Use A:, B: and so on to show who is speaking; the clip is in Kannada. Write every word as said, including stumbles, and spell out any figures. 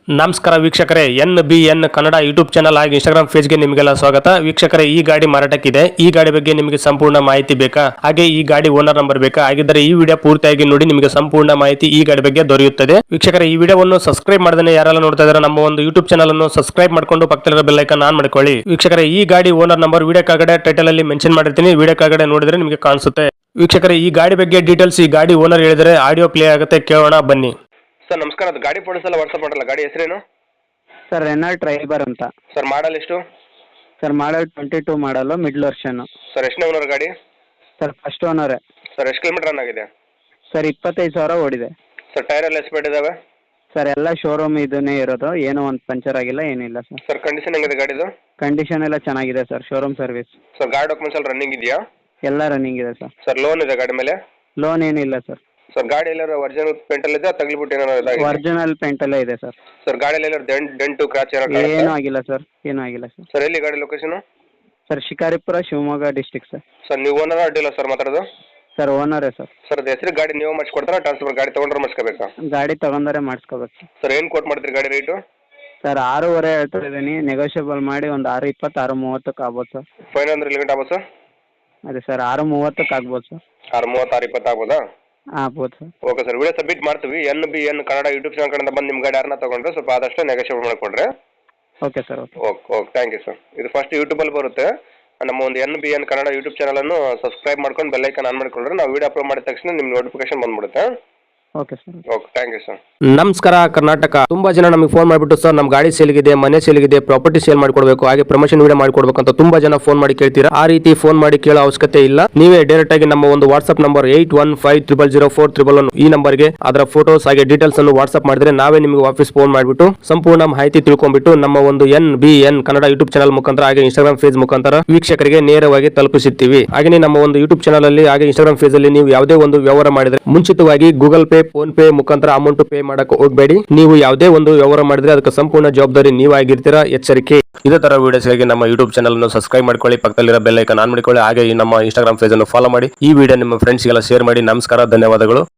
A: ನಮಸ್ಕಾರ ವೀಕ್ಷಕರೇ, N B N Kannada YouTube channel ಹಾಗೂ ಇನ್ಸ್ಟಾಗ್ರಾಮ್ ಪೇಜ್ಗೆ ನಿಮಗೆಲ್ಲ ಸ್ವಾಗತ. ವೀಕ್ಷಕರೇ, ಈ ಗಾಡಿ ಮಾರಾಟಕ್ಕಿದೆ. ಈ ಗಾಡಿ ಬಗ್ಗೆ ನಿಮಗೆ ಸಂಪೂರ್ಣ ಮಾಹಿತಿ ಬೇಕಾ, ಹಾಗೆ ಈ ಗಾಡಿ ಓನರ್ ನಂಬರ್ ಬೇಕಾ? ಹಾಗಿದ್ದರೆ ಈ ವಿಡಿಯೋ ಪೂರ್ತಿಯಾಗಿ ನೋಡಿ, ನಿಮಗೆ ಸಂಪೂರ್ಣ ಮಾಹಿತಿ ಈ ಗಾಡಿ ಬಗ್ಗೆ ದೊರೆಯುತ್ತದೆ. ವೀಕ್ಷಕರೇ, ಈ ವಿಡಿಯೋವನ್ನು ಸಬ್ಸ್ಕ್ರೈಬ್ ಮಾಡದೇ ಯಾರೆಲ್ಲ ನೋಡ್ತಾ ಇದ್ದಾರೆ ನಮ್ಮ ಒಂದು ಯೂಟ್ಯೂಬ್ ಚಾನಲ್ ಅನ್ನು ಸಬ್ಸ್ಕ್ರೈಬ್ ಮಾಡ್ಕೊಂಡು ಪಕ್ಕದಲ್ಲಿರೋ ಬೆಲ್ ಐಕಾನ್ ಆನ್ ಮಾಡ್ಕೊಳ್ಳಿ. ವೀಕ್ಷಕರೇ, ಈ ಗಾಡಿ ಓನರ್ ನಂಬರ್ ವಿಡಿಯೋ ಕೆಳಗಡೆ ಟೈಟಲ್ ಅಲ್ಲಿ ಮೆನ್ಷನ್ ಮಾಡಿರ್ತೀನಿ, ವಿಡಿಯೋ ಕೆಳಗಡೆ ನೋಡಿದ್ರೆ ನಿಮಗೆ ಕಾಣಿಸುತ್ತೆ. ವೀಕ್ಷಕರೇ, ಈ ಗಾಡಿ ಬಗ್ಗೆ ಡೀಟೇಲ್ಸ್ ಈ ಗಾಡಿ ಓನರ್ ಹೇಳಿದರೆ ಆಡಿಯೋ ಪ್ಲೇ ಆಗುತ್ತೆ, ಕೇಳೋಣ ಬನ್ನಿ. ಸರ್ ನಮಸ್ಕಾರ, ಅದು ಗಾಡಿ ಫೋಟೋಸ್ ಎಲ್ಲ ವಾಟ್ಸ್ಆಪ್ ಮಾಡಲ್ಲ. ಗಾಡಿ ಹೆಸರೇನು?
B: ಸರ್ ರೆನಾಲ್ಟ್ ಟ್ರೈಬರ್ ಅಂತ.
A: ಸರ್ ಮಾಡಲ್ ಎಷ್ಟು?
B: Sir model twenty two model middle version.
A: Sir ಎಷ್ಟನೇ ಓನರ್ ಗಾಡಿ?
B: ಸರ್ ಫಸ್ಟ್ ಓನರೇ.
A: ಸರ್ ಎಷ್ಟು ಕಿಲೋಮೀಟರ್ ರನ್ ಆಗಿದೆ?
B: ಸರ್ ಇಪ್ಪತ್ತೈದು ಸಾವಿರ ಓಡಿದೆ.
A: ಸರ್ ಟೈರ್ ಎಲ್ಲ ಎಸ್ಪೇಟ್ ಇದಾವೆ?
B: ಸರ್ ಎಲ್ಲ ಶೋರೂಮ್ ಇದನ್ನೇ ಇರೋದು, ಏನೋ ಒಂದು ಪಂಚರ್ ಆಗಿಲ್ಲ, ಏನಿಲ್ಲ ಸರ್.
A: ಸರ್ ಕಂಡೀಷನ್ ಹೆಂಗಿದೆ ಗಾಡಿದು?
B: ಕಂಡೀಷನ್ ಎಲ್ಲ ಚೆನ್ನಾಗಿದೆ ಸರ್, ಶೋರೂಮ್ ಸರ್ವಿಸ್.
A: ಸರ್ ಗಾಡಿ ಡಾಕ್ಯುಮೆಂಟ್ಸ್ ಎಲ್ಲ ರನ್ನಿಂಗ್ ಇದೆಯಾ?
B: ಎಲ್ಲ ರನ್ನಿಂಗ್ ಇದೆ ಸರ್.
A: ಸರ್ ಲೋನ್ ಇದೆ ಗಾಡಿ ಮೇಲೆ?
B: ಲೋನ್ ಏನಿಲ್ಲ ಸರ್.
A: ಸರ್ ಗಾಡಿ ಎಲ್ಲರೂ ಒರಿಜಿನಲ್ ಪೇಂಟಲ್ಲಿ ಇದೆ, ತಗ್ಲಿಬಿಟ್ಟು ಏನಾರು ಇದಾಗಿದೆ?
B: ಒರಿಜಿನಲ್ ಪೇಂಟಲ್ಲೇ ಇದೆ ಸರ್.
A: ಸರ್ ಗಾಡಿಯಲ್ಲಿ ಎಲ್ಲರೂ ಡೆಂಟ್ ಡೆಂಟು ಕ್ರಾಚ್ ಏನಾರು?
B: ಏನೂ ಆಗಿಲ್ಲ ಸರ್, ಏನೂ ಆಗಿಲ್ಲ ಸರ್.
A: ಸರ್ ಎಲ್ಲಿ ಗಾಡಿ location?
B: Sir Shikaripura, Shivamogga district sir.
A: Sir ನೀವು ಓನರ್ ಅಡ್ಡಿಲ್ಲ ಸರ್ ಮಾತಾಡೋದು?
B: ಸರ್ ಓನರೇ ಸರ್.
A: ಸರ್ ಅದು ಹೆಸರು ಗಾಡಿ ನೀವು ಮಾಡಿಸ್ಕೊಡ್ತಾರಾ, ಟ್ರಾನ್ಸ್ಫರ್ ಗಾಡಿ ತೊಗೊಂಡ್ರೆ ಮಾಡಿಸ್ಕೋಬೇಕಾ?
B: ಗಾಡಿ ತಗೊಂಡರೆ ಮಾಡಿಸ್ಕೋಬೇಕು ಸರ್.
A: ಸರ್ ಏನು ಕೋಟ್ ಮಾಡ್ತೀರಿ ಗಾಡಿ ರೇಟು?
B: ಸರ್ ಆರೂವರೆ ಹೇಳ್ತಾ ಇದ್ದೀನಿ, ನೆಗೋಷಿಯಬಲ್ ಮಾಡಿ ಒಂದು ಆರು ಇಪ್ಪತ್ತು ಆರು ಮೂವತ್ತಕ್ಕೆ ಆಗ್ಬೋದು ಸರ್.
A: ಫೈನ್ ಅಂದ್ರೆ ಲಿಮಿಟ್ ಆಗ್ಬೋದು ಸರ್?
B: ಅದೇ ಸರ್ ಆರು ಮೂವತ್ತಕ್ಕೆ ಆಗ್ಬೋದು ಸರ್.
A: ಆರು ಮೂವತ್ತು ಆರು ಇಪ್ಪತ್ತು ಆಗ್ಬೋದಾ?
B: ಆಗ್ಬೋದು sir.
A: Okay sir, video submit ಮಾಡ್ತೀವಿ. N B N Kannada YouTube channel ಕಡೆಯಿಂದ ಬಂದು ನಿಮ್ಮ ಗಾಡಿ ಯಾರನ್ನ ತೊಗೊಂಡ್ರೆ ಸ್ವಲ್ಪ ಆದಷ್ಟು ನೆಗೋಷಿಯೇಟ್ ಮಾಡಿಕೊಡ್ರಿ.
B: Okay sir. Okay
A: okay okay thank you sir. ಇದು ಫಸ್ಟ್ ಯೂಟ್ಯೂಬಲ್ಲಿ ಬರುತ್ತೆ. ನಮ್ಮ ಒಂದು N B N Kannada YouTube ಚಾನಲನ್ನು ಸಬ್ಸ್ಕ್ರೈಬ್ ಮಾಡ್ಕೊಂಡು ಬೆಲ್ ಐಕಾನ್ ಆನ್ ಮಾಡಿಕೊಂಡ್ರೆ ನಾವು ವಿಡಿಯೋ ಅಪ್ಲೋಡ್ ಮಾಡಿದ ತಕ್ಷಣ ನಿಮ್ಮ ನೋಟಿಫಿಕೇಶನ್ ಬಂದ್ಬಿಡುತ್ತೆ.
B: Okay sir.
A: Okay thank you sir.
C: ನಮಸ್ಕಾರ ಕರ್ನಾಟಕ. ತುಂಬಾ ಜನ ನಮಗೆ ಫೋನ್ ಮಾಡಿಬಿಟ್ಟು ಸರ್ ನಮ್ಮ ಗಾಡಿ ಸೇಲ್ಗಿದೆ, ಮನೆ ಸೇಲ್ಗಿದೆ, ಪ್ರಾಪರ್ಟಿ ಸೇಲ್ ಮಾಡ್ಕೊಡ್ಬೇಕು, ಹಾಗೆ ಪ್ರಮೋಷನ್ ವಿಡಿಯೋ ಮಾಡ್ಕೊಡ್ಬೇಕು ಅಂತ ತುಂಬಾ ಜನ ಫೋನ್ ಮಾಡಿ ಕೇಳ್ತೀರಾ. ಆ ರೀತಿ ಫೋನ್ ಮಾಡಿ ಕೇಳೋ ಅವಶ್ಯಕತೆ ಇಲ್ಲ. ನೀವೇ ಡೈರೆಕ್ಟ್ ಆಗಿ ನಮ್ಮ ಒಂದು WhatsApp number eight one five triple zero four triple one ಈ ನಂಬರ್ಗೆ ಅದರ ಫೋಟೋಸ್ ಹಾಗೆ ಡೀಟೇಲ್ಸ್ ಅನ್ನು ವಾಟ್ಸ್ಆಪ್ ಮಾಡಿದ್ರೆ ನಾವೇ ನಿಮಗೆ ವಾಪಸ್ ಫೋನ್ ಮಾಡಿಬಿಟ್ಟು ಸಂಪೂರ್ಣ ಮಾಹಿತಿ ತಿಳ್ಕೊಂಡ್ಬಿಟ್ಟು ನಮ್ಮ ಒಂದು N B N Kannada YouTube channel ಮುಖಾಂತರ ಹಾಗೆ ಇನ್ಸ್ಟಾಗ್ರಾಮ್ ಪೇಜ್ ಮುಖಾಂತರ ವೀಕ್ಷಕರಿಗೆ ನೇರವಾಗಿ ತಲುಪಿಸುತ್ತೀವಿ. ಹಾಗೆ ನಮ್ಮ ಒಂದು ಯೂಟ್ಯೂಬ್ ಚಾನಲ್ ಅಲ್ಲಿ ಹಾಗೆ ಇನ್ಸ್ಟಾಗ್ರಾಮ್ ಪೇಜ್ ಅಲ್ಲಿ ನೀವು ಯಾವುದೇ ಒಂದು ವ್ಯವಹಾರ ಮಾಡಿದ್ರೆ ಮುಂಚಿತವಾಗಿ ಗೂಗಲ್ ಪೇ, ಫೋನ್ ಪೇ ಮುಖಾಂತರ ಅಮೌಂಟ್ ಪೇ ಮಾಡಕ್ಕೆ ಹೋಗಬೇಡಿ. ನೀವು ಯಾವುದೇ ಒಂದು ವ್ಯವಹಾರ ಮಾಡಿದ್ರೆ ಅದಕ್ಕೆ ಸಂಪೂರ್ಣ ಜವಾಬ್ದಾರಿ ನೀವಾಗಿರ್ತೀರಾ, ಎಚ್ಚರಿಕೆ. ಇದೇ ತರ ವಿಡಿಯೋಸ್ಗಾಗಿ ನಮ್ಮ ಯೂಟ್ಯೂಬ್ ಚಾನಲ್ ಅನ್ನು ಸಬ್ಸ್ಕ್ರೈಬ್ ಮಾಡ್ಕೊಳ್ಳಿ, ಪಕ್ಕದಲ್ಲಿರೋ ಬೆಲ್ ಐಕಾನ್ ಆನ್ ಮಾಡಿಕೊಳ್ಳಿ, ಹಾಗೆ ಈ ನಮ್ಮ ಇನ್ಸ್ಟಾಗ್ರಾಮ್ ಪೇಜ್ ಅನ್ನು ಫಾಲೋ ಮಾಡಿ. ಈ ವಿಡಿಯೋ ನಿಮ್ಮ ಫ್ರೆಂಡ್ಸ್ಗೆಲ್ಲ ಶೇರ್ ಮಾಡಿ. ನಮಸ್ಕಾರ, ಧನ್ಯವಾದಗಳು.